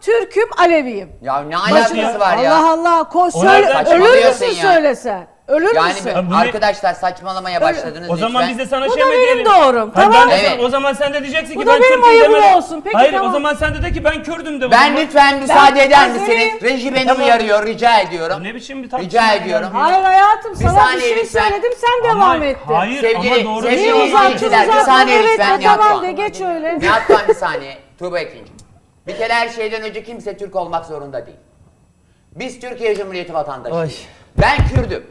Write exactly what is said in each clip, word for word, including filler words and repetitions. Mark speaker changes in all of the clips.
Speaker 1: Türk'üm, Aleviyim.
Speaker 2: Ya ne alakası
Speaker 3: ya?
Speaker 2: var ya?
Speaker 1: Allah Allah. Koş
Speaker 3: O
Speaker 1: söyle.
Speaker 3: nereden
Speaker 1: Ölür
Speaker 2: saçmalıyorsun
Speaker 1: müsün
Speaker 2: ya?
Speaker 1: söylesen? Ölür
Speaker 2: Yani
Speaker 1: müsün?
Speaker 2: be-
Speaker 3: bunu-
Speaker 2: arkadaşlar saçmalamaya başladınız
Speaker 3: O zaman
Speaker 2: lütfen.
Speaker 3: biz de sana
Speaker 1: Bu
Speaker 3: şey
Speaker 1: da
Speaker 3: mi
Speaker 1: benim
Speaker 3: diyelim?
Speaker 1: doğrum,
Speaker 3: Hayır,
Speaker 1: tamam.
Speaker 3: ben de sana-
Speaker 2: Evet.
Speaker 3: O zaman sen de diyeceksin
Speaker 1: Bu
Speaker 3: ki
Speaker 1: da
Speaker 3: ben
Speaker 1: benim
Speaker 3: Türk'üm
Speaker 1: ayıbım
Speaker 3: deme.
Speaker 1: olsun. Peki,
Speaker 3: Hayır
Speaker 1: tamam.
Speaker 3: o zaman sen de de ki ben Kürdüm de. o
Speaker 2: Ben
Speaker 3: zaman.
Speaker 2: lütfen müsaade eder
Speaker 1: Azeriyim.
Speaker 2: misiniz? Reji beni
Speaker 3: Tamam.
Speaker 2: uyarıyor, rica ediyorum.
Speaker 3: Ne biçim bir tartışma
Speaker 2: Rica
Speaker 3: ya?
Speaker 2: ediyorum.
Speaker 1: Hayır hayatım,
Speaker 2: Bir
Speaker 1: sana bir
Speaker 2: saniye
Speaker 1: şey
Speaker 2: lütfen.
Speaker 1: söyledim, sen
Speaker 3: Ama-
Speaker 1: devam ettin.
Speaker 3: Hayır
Speaker 2: Sevgili-
Speaker 3: ama doğru
Speaker 2: sevgili
Speaker 3: değil.
Speaker 1: Niye uzattın
Speaker 2: izleyiciler, bir
Speaker 1: uzattın?
Speaker 2: saniye
Speaker 1: Evet,
Speaker 2: lütfen,
Speaker 1: ha,
Speaker 2: Nihat
Speaker 1: tamam
Speaker 2: Doğan.
Speaker 1: de geç öyle.
Speaker 2: Nihat Doğan bir saniye. Tuğba ikinci. Bir kere her şeyden önce kimse Türk olmak zorunda değil. Biz Türkiye Cumhuriyeti vatandaşıyız.
Speaker 3: Ay.
Speaker 2: Ben Kürdüm.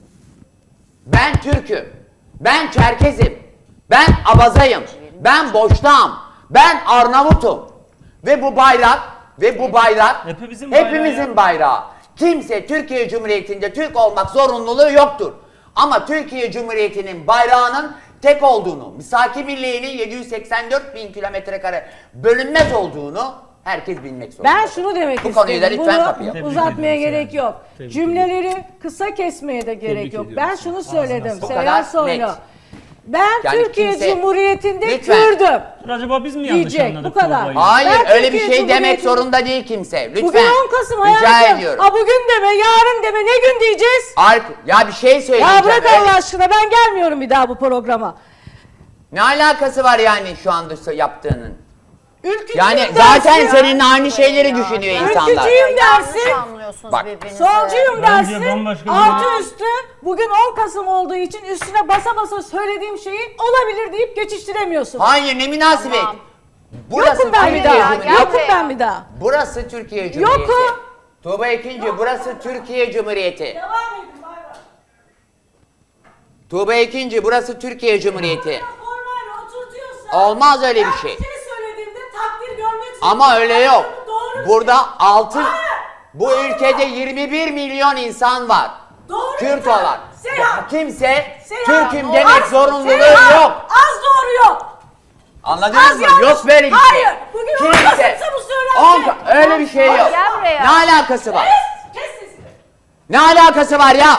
Speaker 2: Ben Türk'üm. Ben Çerkezim. Ben Abazayım. Ben Boşnağım. Ben Arnavut'um. Ve bu bayrak ve bu bayrak
Speaker 3: Hepimizin bayrağı
Speaker 2: hepimizin
Speaker 3: ya.
Speaker 2: bayrağı. Kimse Türkiye Cumhuriyeti'nde Türk olmak zorunluluğu yoktur. Ama Türkiye Cumhuriyeti'nin bayrağının tek olduğunu, misaki birliğinin yedi yüz seksen dört bin kilometre kare bölünmez olduğunu herkes bilmek zorunda.
Speaker 1: Ben şunu demek
Speaker 2: Bu
Speaker 1: istedim.
Speaker 2: konuyu da lütfen kapayalım.
Speaker 3: Tebrik
Speaker 1: uzatmaya
Speaker 3: ediyoruz
Speaker 1: gerek
Speaker 3: yani.
Speaker 1: yok.
Speaker 3: Tebrik
Speaker 1: Cümleleri kısa kesmeye de gerek
Speaker 3: Tebrik
Speaker 1: yok.
Speaker 3: ediyoruz.
Speaker 1: Ben şunu söyledim.
Speaker 2: Bu
Speaker 1: Seyhan
Speaker 2: kadar
Speaker 1: Soylu.
Speaker 2: net.
Speaker 1: Ben
Speaker 2: Yani
Speaker 1: Türkiye
Speaker 2: kimse-
Speaker 1: Cumhuriyeti'nde
Speaker 2: Lütfen.
Speaker 1: Kürdüm.
Speaker 3: Acaba biz mi yanlış
Speaker 1: Diyecek,
Speaker 3: anladık
Speaker 1: bu kadar.
Speaker 3: Tuğba'yı?
Speaker 2: Hayır
Speaker 1: Ben
Speaker 2: öyle bir
Speaker 1: Türkiye
Speaker 2: şey demek
Speaker 1: Cumhuriyeti'nin-
Speaker 2: zorunda değil kimse. Lütfen.
Speaker 1: Bugün on Kasım
Speaker 2: Rica
Speaker 1: hayatım.
Speaker 2: ediyorum.
Speaker 1: Ha bugün deme, yarın deme, ne gün diyeceğiz?
Speaker 2: Ark ya bir şey söyleyeceğim.
Speaker 1: Ya bırak
Speaker 2: öyle-
Speaker 1: Allah aşkına, ben gelmiyorum bir daha bu programa.
Speaker 2: Ne alakası var yani şu anda yaptığının?
Speaker 1: Ülkücüyüm
Speaker 2: Yani
Speaker 1: dersin
Speaker 2: zaten
Speaker 1: ya.
Speaker 2: senin aynı şeyleri
Speaker 4: Ya,
Speaker 2: düşünüyor
Speaker 4: ya.
Speaker 2: insanlar.
Speaker 1: Ülkücüyüm
Speaker 4: Yanlış
Speaker 1: dersin.
Speaker 4: anlıyorsunuz
Speaker 2: Bak.
Speaker 4: birbirinizi.
Speaker 1: Solcuyum
Speaker 3: Bence
Speaker 1: dersin.
Speaker 3: bambaşka bir-
Speaker 1: Artı üstü bugün on Kasım olduğu için üstüne basa basa söylediğim şeyi olabilir deyip geçiştiremiyorsun.
Speaker 2: Hayır ne münasebet.
Speaker 4: Tamam.
Speaker 2: Burası
Speaker 1: Yokum ben bir
Speaker 2: Türkiye
Speaker 1: daha.
Speaker 4: ya,
Speaker 2: Cumhuriyeti.
Speaker 1: Yokum ben bir daha.
Speaker 2: Burası Türkiye Cumhuriyeti.
Speaker 1: Yokum.
Speaker 2: Tuğba ikinci burası Türkiye Cumhuriyeti.
Speaker 1: Devam edin bay bay.
Speaker 2: Tuğba ikinci burası Türkiye Cumhuriyeti.
Speaker 1: Formal oturtuyorsan.
Speaker 2: Olmaz öyle bir
Speaker 1: ben
Speaker 2: şey.
Speaker 1: bir şey söylediğimde takdir görmek
Speaker 2: Ama öyle yok.
Speaker 1: Doğru
Speaker 2: Burada
Speaker 1: şey.
Speaker 2: altı
Speaker 1: Hayır.
Speaker 2: bu ülkede yirmi bir milyon insan var.
Speaker 1: Doğru
Speaker 2: Kürt
Speaker 1: insan.
Speaker 2: olan.
Speaker 1: Seyhan.
Speaker 2: Kimse
Speaker 1: Seyhan,
Speaker 2: Türk'üm
Speaker 1: az-
Speaker 2: demek zorunluluğu
Speaker 1: Seyhan,
Speaker 2: yok.
Speaker 1: Az doğru yok.
Speaker 2: Anladınız
Speaker 1: Az
Speaker 2: mı?
Speaker 1: yanlış.
Speaker 2: Yok böyle bir şey.
Speaker 1: Hayır. Bugün on Kasım'sa bu söylenecek.
Speaker 2: On- öyle bir şey yok.
Speaker 4: Gel buraya.
Speaker 2: Ne alakası var?
Speaker 1: Kes, kes sesini.
Speaker 2: Ne alakası var ya?